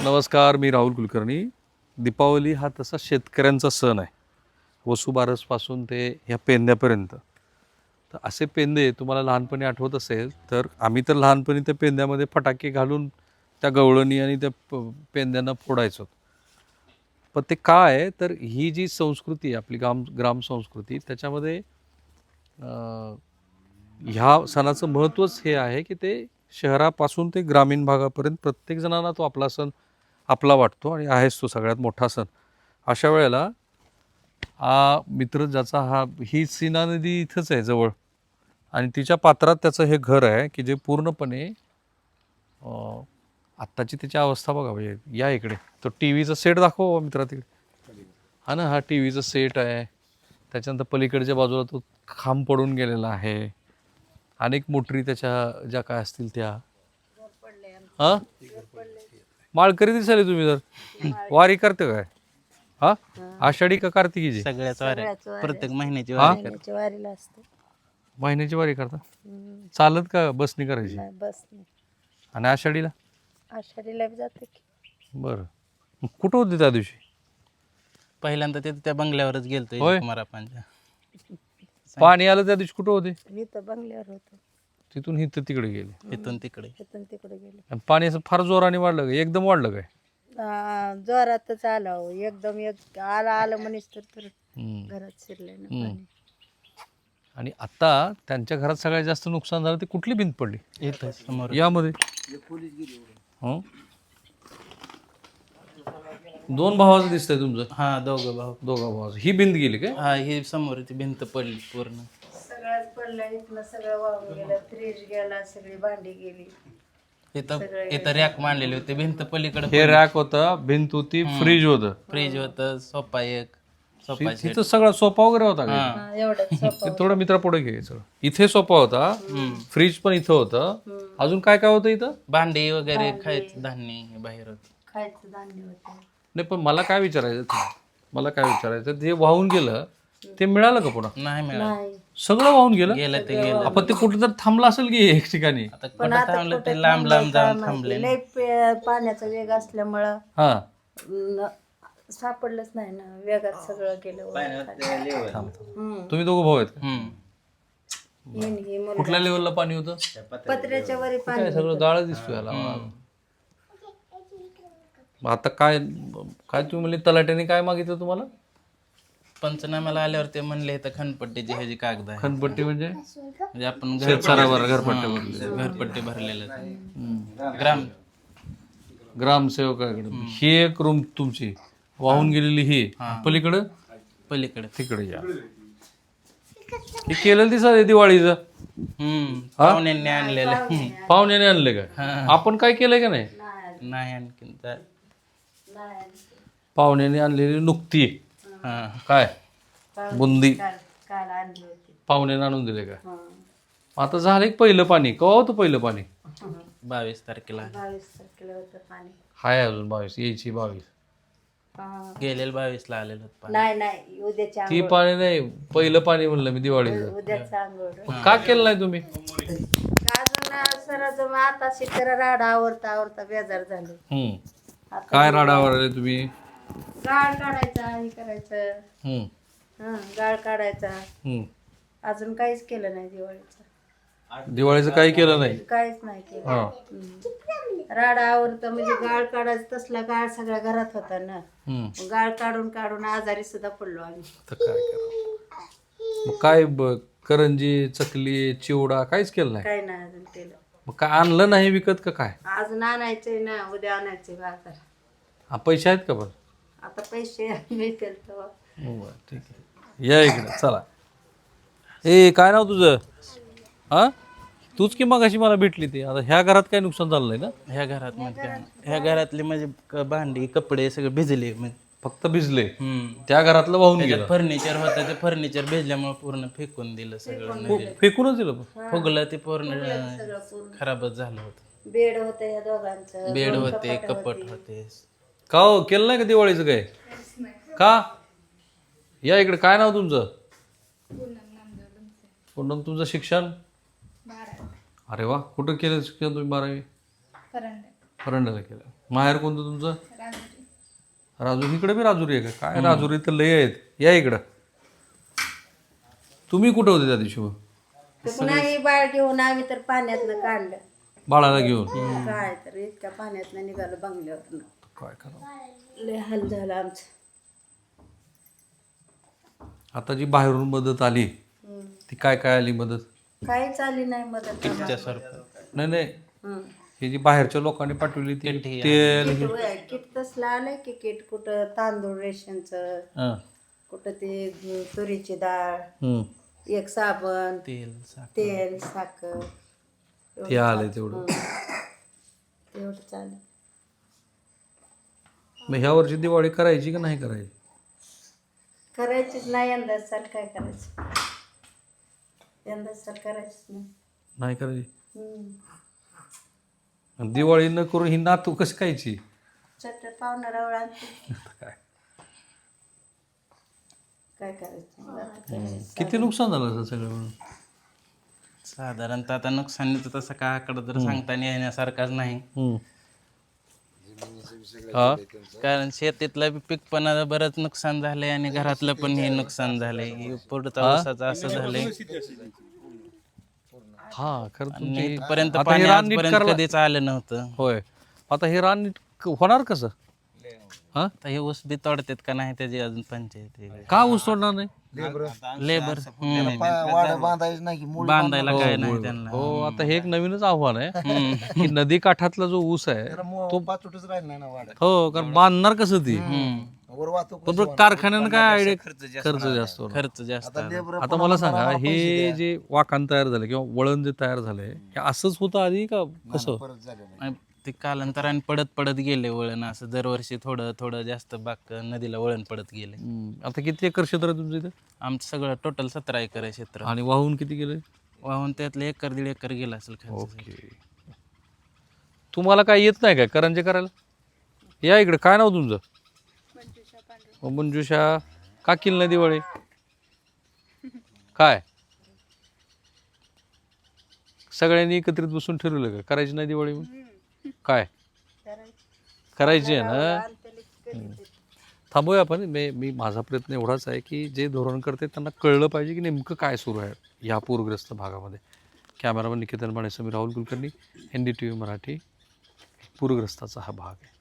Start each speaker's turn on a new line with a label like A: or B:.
A: नमस्कार, मी राहुल कुलकर्णी. दीपावली हा तसा शेतकऱ्यांचा सण आहे. वसुबारसपासून ते ह्या पेंद्यापर्यंत. तर असे पेंदे तुम्हाला लहानपणी आठवत असेल तर आम्ही तर लहानपणी त्या पेंद्यामध्ये फटाके घालून त्या गवळणी आणि त्या पेंद्यांना फोडायचो. पण ते काय आहे तर ही जी संस्कृती आहे आपली ग्राम संस्कृती त्याच्यामध्ये ह्या सणाचं महत्त्वच हे आहे की ते शहरापासून ते ग्रामीण भागापर्यंत प्रत्येक जणांना तो आपला सण आपला वाटतो आणि आहेच तो सगळ्यात मोठा सण. अशा वेळेला हा मित्र ज्याचा ही सीना नदी इथंच आहे जवळ आणि तिच्या पात्रात त्याचं हे घर आहे की जे पूर्णपणे आत्ताची त्याची अवस्था बघा. म्हणजे या इकडे तो टी व्हीचा सेट दाखवा मित्रा तिकडे. हा ना, हा टी व्हीचा सेट आहे. त्याच्यानंतर पलीकडच्या बाजूला तो खांब पडून गेलेला आहे. अनेक मोटरी त्याच्या ज्या काय असतील त्या. हा माळकरी दिसाले तुम्ही तर. वारी करते काय? हा आषाढी का कार्तिकीची?
B: सगळ्याच वाऱ्या प्रत्येक महिन्याची
C: वारीला असते.
A: महिन्याची वारी करता? चालत का बसनी करायची?
C: बस
A: आणि आषाढीला?
C: आषाढीला जाते की.
A: बरं, कुठं होते त्या दिवशी?
B: पहिल्यांदा ते त्या बंगल्यावरच गेलतो
A: होय?
B: कुमारापांच्या.
A: पाणी आलं त्या दिवशी कुठं होते?
C: मी तर बंगल्यावर होतो.
A: तिथून इथं तिकडे गेले.
B: इथून तिकडे
C: तिथून तिकडे गेले.
A: आणि पाणी असं फार जोराने वाढलं काय? एकदम वाढलं काय?
C: जोरातच आला हो. एकदम आलं म्हणेच तर घरात शिरले ना पाणी.
A: आणि आता त्यांच्या घरात सगळ्यात जास्त नुकसान झालं ते कुठली भिंत पडली?
B: इथं समोर
A: यामध्ये दोन भावाचं दिसतंय तुमचं.
B: हा दोघं भाऊ.
A: दोघा भावाचं. ही भिंत गेली काय?
B: हा ही समोर ती भिंत पडली पूर्ण.
C: सगळ्यात पडलं इथलं सगळं वाहून गेलं. फ्रीज गेला, सगळी भांडी गेली.
B: इथं रॅक मांडलेली होती. भिंत पलीकडे
A: हे रॅक होता, भिंत होती, फ्रीज होतं.
B: फ्रीज होतं, सोफा एक सोफा
A: तिथं सगळा सोफा वगैरे होता का?
C: एवढंच
A: ते थोडं मित्रा पुढे घ्यायचं. इथे सोफा होता, फ्रीज पण इथं होतं. अजून काय काय होतं इथं?
B: भांडी वगैरे खायचं धान्य हे बाहेर होत.
C: खायचं धान्य होतं.
A: नाही पण मला काय विचारायचं ते वाहून गेलं ते मिळालं का पुन्हा?
B: नाही मिळालं.
C: नाही.
A: सगळं वाहून गेलं.
B: गेलं ते गेलं.
A: आपण ते कुठं तर थांबलं असेल की एक ठिकाणी.
B: आता कुठं थांबलं ते लांब लांब जाऊन थांबले.
C: लय पाण्याचा वेग असल्यामुळं
A: हा
C: सापडलंच नाही ना. वेगात सगळं गेलं.
A: तुम्ही दोघं भाऊ आहेत का?
C: ही
A: कुठल्या लेवलला पाणी होतं?
C: पत्र्याच्या वरी पाणी.
A: काय सगळं गाळ दिसतोय याला. मग आता काय तुम्ही म्हणले तलाट्याने काय मागितलं तुम्हाला?
B: पंचनाम्याला आल्यावर ते म्हणले तर खनपट्टीची ह्याची कागद आहे.
A: खनपट्टी म्हणजे
B: आपण घरपट्टी भरलेलं
A: ग्रामसेवकाकडे. ही एक रूम तुमची वाहून गेलेली. ही पलीकडं
B: पलीकडे
A: तिकडे या. हे केलेलं दिसत दिवाळीचं.
B: पाहुण्यांनी आणलेलं.
A: पाहुण्याने आणले का? आपण काय केलंय का नाही?
B: नाही आणखीन
A: पाहुण्याने आणलेली नुकती काय बुंदी
C: काल आणली होती.
A: पाहुण्याने आणून दिले का? आता झालं एक पहिलं पाणी. केव्हा होतं पहिलं पाणी?
B: 22 तारखेला
C: 22 तारखेला होतं पाणी.
A: हाय अजून 22 यायची 22.
B: गेलेलं 22 ला आलेलं पाणी.
C: नाही उद्याच्या
A: ती पाणी नाही, पहिलं पाणी म्हणलं मी दिवाळीचं.
C: उद्याचा आंघोळ.
A: का केलं नाही तुम्ही?
C: अजून सरच आता शिकर राडा आवरता बेजार झाले.
A: काय राडावर आले तुम्ही?
C: गाळ काढायचा हे करायचं. गाळ काढायचा. अजून काहीच केलं नाही
A: दिवाळीचं काही केलं नाही?
C: काहीच नाही केलं. राडा आवरत म्हणजे गाळ काढायचं. तसला गाळ सगळ्या घरात होता ना. गाळ काढून आजारी सुद्धा पडलो आम्ही.
A: तर काय करा मग? काय करंजी, चकली, चिवडा काहीच केलं नाही?
C: काय नाही अजून केलं.
A: मग काय आणलं नाही विकत का काय?
C: अजून आणायचंय ना. उद्या आणायचे बाजार.
A: पैसे आहेत का? पण
C: आता पैसे मिळतील तेव्हा.
A: ठीक आहे, या इकडे चला. ए काय नाव तुझं? हा तूच की मग अशी मला भेटली ती. आता ह्या घरात काय नुकसान झालं नाही ना?
B: ह्या घरातले म्हणजे भांडी कपडे सगळे भिजले.
A: फक्त भिजले. त्या घरातलं वाहून गेलं.
B: फर्निचर होतं ते फर्निचर भिजल्यामुळे पूर्ण फेकून दिलं सगळं.
A: फेकूनच दिलं.
B: फुगलं ते पूर्ण खराबच झालं होतं.
C: बेड होतं या दोघांचं.
B: बेड होते, कपट होते.
A: का हो केलं नाही का दिवाळीचं काय? का? या इकडे. काय नाव तुमचं? पूनम. तुमचं शिक्षण? अरे वा, कुठं केलं शिक्षण तुम्ही? 12वी परंड्याला केलं. माहेर कोणतं तुमचं? राजुरी. इकडे बी राजुरी आहे का? काय राजुरी तर लय आहेत. या इकडं. तुम्ही कुठं होते त्या दिवशी मग?
C: ते पुन्हा हे बाळ घेऊन आम्ही तर पाण्यातनं काढलं.
A: बाळाला घेऊन?
C: काय तर इतक्या पाण्यातनं निघालं बंगल्यावरनं.
A: काय करावं.
C: लय हाल झालं आमचं.
A: आता जी बाहेरून मदत आली ती काय काय आली मदत?
C: काहीच आली नाही मदत आम्हाला.
B: त्यासारखं
A: नाही
C: हं.
A: हे जी बाहेरच्या लोकांनी पाठवली ती तेल
C: किट होय, किट तसलं आलंय की किट कुठं तांदूळ रेशनचं,
A: हं.
C: कुठं ते तुरीची डाळ,
A: हं.
C: एक साबण,
B: तेल साखर
C: तेल, साखर
A: ते आलंय तेवढं.
C: तेवढं चालेल.
A: मग ह्या वर्षी दिवाळी करायची का नाही करायची?
C: करायचीच नाही यंदा साल. काय करायचं यंदा साल करायचीच नाही.
A: नाही करायची.
C: हं.
A: आणि दिवाळी न करून ही नातू कशी खायची?
C: चट पाहुणा रावळ आणते.
A: काय
C: काय करायचं मग आता काय?
A: किती नुकसान झालं असं सगळं म्हणून?
B: साधारणतः आता नुकसानीचं तसं काय आकडा तर सांगता येण्यासारखाच नाही.
A: हा
B: कारण शेतीतलं बी पीक पण आता बरंच नुकसान झालंय आणि घरातलं पण हे नुकसान झालंय. पुढचा ऊसाचं असं झालंय
A: हा खरं
B: आणि
A: तुमची
B: इथपर्यंत
A: आता
B: पाणी
A: हे रान नीट
B: आजपर्यंत
A: करायला
B: कधीच आलं नव्हतं.
A: होय. आता हे रान नीट होणार कसं? हा
B: आता हे ऊस बी तोडतात का नाही त्याची अजून पंचायत आहे.
A: का ऊस तोडणार नाही?
B: लेबर
D: नाही
B: बांधायला काय नाही त्यांना.
A: हो आता हे एक नवीनच आव्हान आहे की नदी काठातला जो ऊस आहे
D: तो पाचोटच राहिला नाही ना वाड्यात.
A: हो कारण बांधणार कसं ती?
D: वर वाहतूक
A: पण बरं कारखान्यानं काय आयडिया खर्च जास्त होणार.
B: खर्च जास्त आला.
A: आता मला सांगा हे जे वाकान तयार झालं किंवा वळण जे तयार झालंय हे असंच होतं आधी का कसं?
D: परत झालेलं.
B: आणि ते कालांतराने पडत पडत गेले वळण असं दरवर्षी थोडं थोडं जास्त बाक नदीला वळण पडत गेले.
A: आता किती एकर क्षेत्र आहे तुमचं इथे?
B: आमचं सगळं टोटल 17 एकर आहे क्षेत्र.
A: आणि वाहून किती गेले?
B: वाहून त्यातले 1-1.5 एकर गेला असेल खर्च.
A: ओके. तुम्हाला काय येत नाही काय करंजे करायला? या इकडे. काय नाव तुमचं? मंजुषा. का केली नाही दिवाळी? काय सगळ्यांनी एकत्रित बसून ठरवलं का करायची नाही दिवाळी? मग काय करायची आहे ना? थांबूया आपण. मी माझा प्रयत्न एवढाच आहे की जे धोरण करते त्यांना कळलं पाहिजे की नेमकं काय सुरू आहे या पूरग्रस्त भागामध्ये. Cameraman Niketan Mane, Sameer Rahul Kulkarni, NDTV Marathi. पूरग्रस्ताचा हा भाग आहे.